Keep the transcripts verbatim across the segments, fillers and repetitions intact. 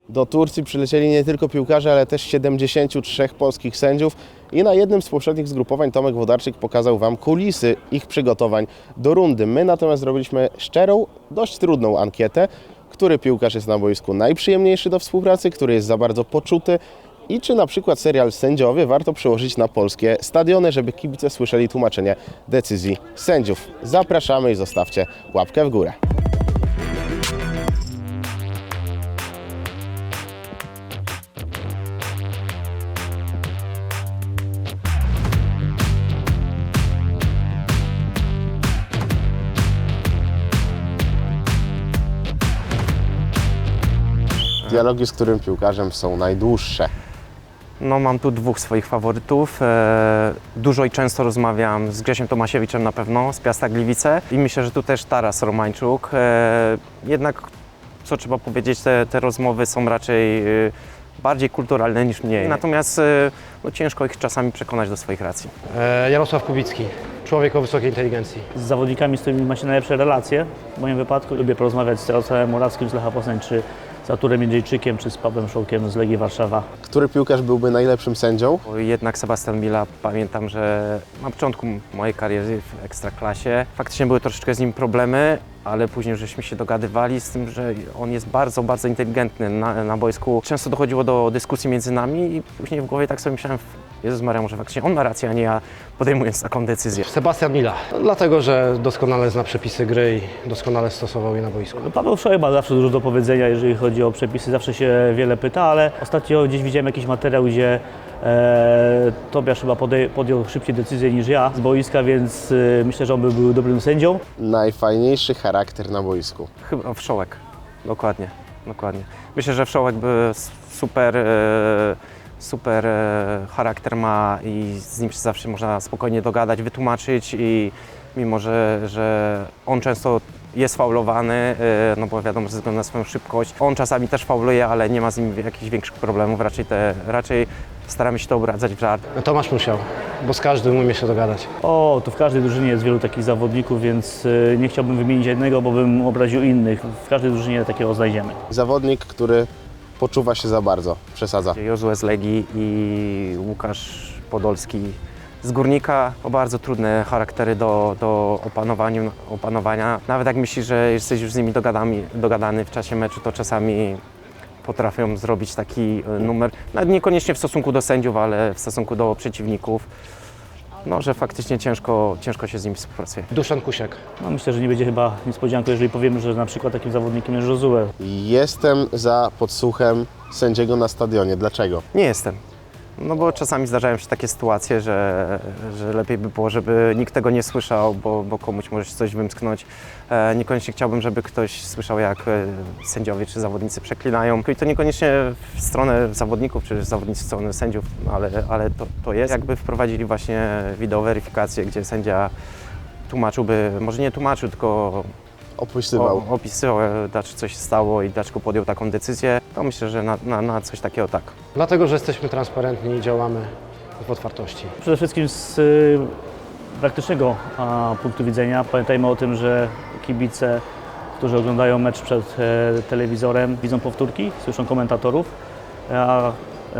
Do Turcji przylecieli nie tylko piłkarze, ale też siedemdziesięciu trzech polskich sędziów i na jednym z poprzednich zgrupowań Tomek Włodarczyk pokazał Wam kulisy ich przygotowań do rundy. My natomiast zrobiliśmy szczerą, dość trudną ankietę, który piłkarz jest na boisku najprzyjemniejszy do współpracy, który jest za bardzo poczuty i czy na przykład serial Sędziowie warto przełożyć na polskie stadiony, żeby kibice słyszeli tłumaczenie decyzji sędziów. Zapraszamy i zostawcie łapkę w górę. Dialogi z którym piłkarzem są najdłuższe? No, mam tu dwóch swoich faworytów. E, dużo i często rozmawiam z Grzesiem Tomasiewiczem na pewno, z Piasta Gliwice i myślę, że tu też Taras Romańczuk. E, jednak, co trzeba powiedzieć, te, te rozmowy są raczej e, bardziej kulturalne niż mniej. Natomiast e, no, ciężko ich czasami przekonać do swoich racji. E, Jarosław Kubicki, człowiek o wysokiej inteligencji. Z zawodnikami, z którymi ma się najlepsze relacje. W moim wypadku lubię porozmawiać z Jarosławem Morawskim z Lecha Poznań, czy z Arturem Jędrzejczykiem, czy z Pawłem Szołkiem z Legii Warszawa. Który piłkarz byłby najlepszym sędzią? Bo jednak Sebastian Mila, pamiętam, że na początku mojej kariery w Ekstraklasie faktycznie były troszeczkę z nim problemy, ale później żeśmy się dogadywali z tym, że on jest bardzo, bardzo inteligentny na, na boisku. Często dochodziło do dyskusji między nami i później w głowie tak sobie myślałem, Jezus Maria, może faktycznie on ma rację, a nie ja, podejmując taką decyzję. Sebastian Mila, dlatego że doskonale zna przepisy gry i doskonale stosował je na boisku. Paweł Szołek ma zawsze dużo do powiedzenia, jeżeli chodzi o przepisy, zawsze się wiele pyta, ale ostatnio gdzieś widziałem jakiś materiał, gdzie e, Tobiasz chyba podej- podjął szybciej decyzję niż ja z boiska, więc e, myślę, że on by był dobrym sędzią. Najfajniejszy charakter na boisku? Chyba Wszołek, dokładnie, dokładnie. Myślę, że Wszołek by super, e, super e, charakter ma i z nim się zawsze można spokojnie dogadać, wytłumaczyć i mimo, że, że on często jest faulowany, e, no bo wiadomo, ze względu na swoją szybkość. On czasami też fauluje, ale nie ma z nim jakichś większych problemów, raczej, te, raczej staramy się to obradzać w żart. Tomasz Musiał, bo z każdym umie się dogadać. O, tu w każdej drużynie jest wielu takich zawodników, więc e, nie chciałbym wymienić jednego, bo bym obraził innych. W każdej drużynie takiego znajdziemy. Zawodnik, który poczuwa się za bardzo, przesadza. Jozue z Legii i Łukasz Podolski z Górnika. O bardzo trudne charaktery do, do opanowania, opanowania. Nawet jak myślisz, że jesteś już z nimi dogadami, dogadany w czasie meczu, to czasami potrafią zrobić taki numer, nawet niekoniecznie w stosunku do sędziów, ale w stosunku do przeciwników. No, że faktycznie ciężko, ciężko się z nimi współpracuje. Duszan Kusiak. No, myślę, że nie będzie chyba niespodzianką, jeżeli powiemy, że na przykład takim zawodnikiem jest Josue. Jestem za podsłuchem sędziego na stadionie. Dlaczego? Nie jestem. No bo czasami zdarzają się takie sytuacje, że, że lepiej by było, żeby nikt tego nie słyszał, bo, bo komuś może się coś wymsknąć. E, niekoniecznie chciałbym, żeby ktoś słyszał, jak e, sędziowie czy zawodnicy przeklinają. I to niekoniecznie w stronę zawodników czy zawodnicy w stronę sędziów, ale, ale to, to jest. Jakby wprowadzili właśnie wideoweryfikację, gdzie sędzia tłumaczyłby, może nie tłumaczył, tylko Opisywał. o, opisywał, e, dlaczego coś się stało i dlaczego podjął taką decyzję, to myślę, że na, na, na coś takiego tak. Dlatego, że jesteśmy transparentni i działamy w otwartości. Przede wszystkim z y, praktycznego a, punktu widzenia pamiętajmy o tym, że kibice, którzy oglądają mecz przed e, telewizorem, widzą powtórki, słyszą komentatorów, a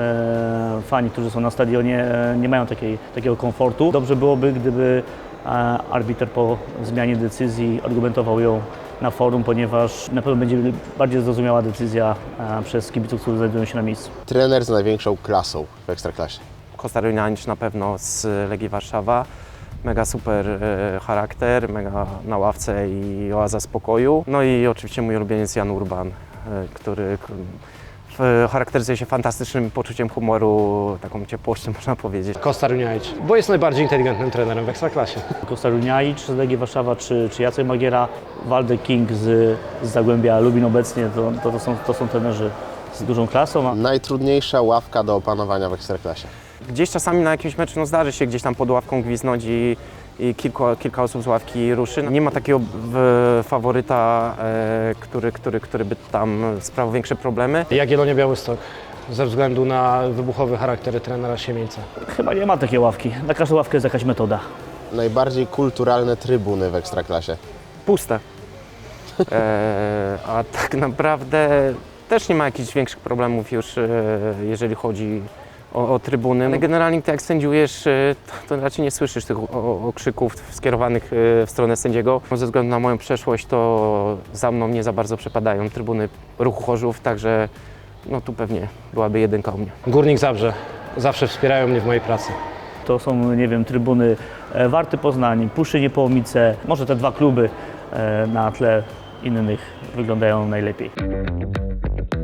e, fani, którzy są na stadionie, e, nie mają takiej, takiego komfortu. Dobrze byłoby, gdyby e, arbiter po zmianie decyzji argumentował ją na forum, ponieważ na pewno będzie bardziej zrozumiała decyzja e, przez kibiców, którzy znajdują się na miejscu. Trener z największą klasą w Ekstraklasie. Kostar Junianic na pewno z Legii Warszawa. Mega super e, charakter, mega na ławce i oaza spokoju. No i oczywiście mój ulubieniec Jan Urban, e, który k- w, charakteryzuje się fantastycznym poczuciem humoru, taką ciepłością można powiedzieć. Kostar Junianic, bo jest najbardziej inteligentnym trenerem w Ekstraklasie. Kostar Junianic z Legii Warszawa, czy, czy Jacek Magiera, Waldek King z, z Zagłębia Lubin obecnie, to, to, to, są, to są trenerzy z dużą klasą. A Najtrudniejsza ławka do opanowania w Ekstraklasie. Gdzieś czasami na jakimś meczu no, zdarzy się gdzieś tam pod ławką gwizdnąć i, i kilku, kilka osób z ławki ruszy. Nie ma takiego w, faworyta, e, który, który, który by tam sprawiał większe problemy. Jagiellonia Białystok, ze względu na wybuchowy charakter trenera Siemieńca. chyba nie ma takiej ławki. Na każdą ławkę jest jakaś metoda. Najbardziej kulturalne trybuny w Ekstraklasie. Puste. E, a tak naprawdę też nie ma jakichś większych problemów już, e, jeżeli chodzi o, o trybuny. Generalnie ty jak sędziujesz, e, to, to raczej nie słyszysz tych o- o- okrzyków skierowanych e, w stronę sędziego. Ze względu na moją przeszłość to za mną nie za bardzo przepadają trybuny Ruchu Chorzów, także no tu pewnie byłaby jedynka u mnie. Górnik Zabrze. Zawsze wspierają mnie w mojej pracy. To są, nie wiem, trybuny e, Warty Poznań, Puszy Niepołomice. Może te dwa kluby e, na tle innych wyglądają najlepiej.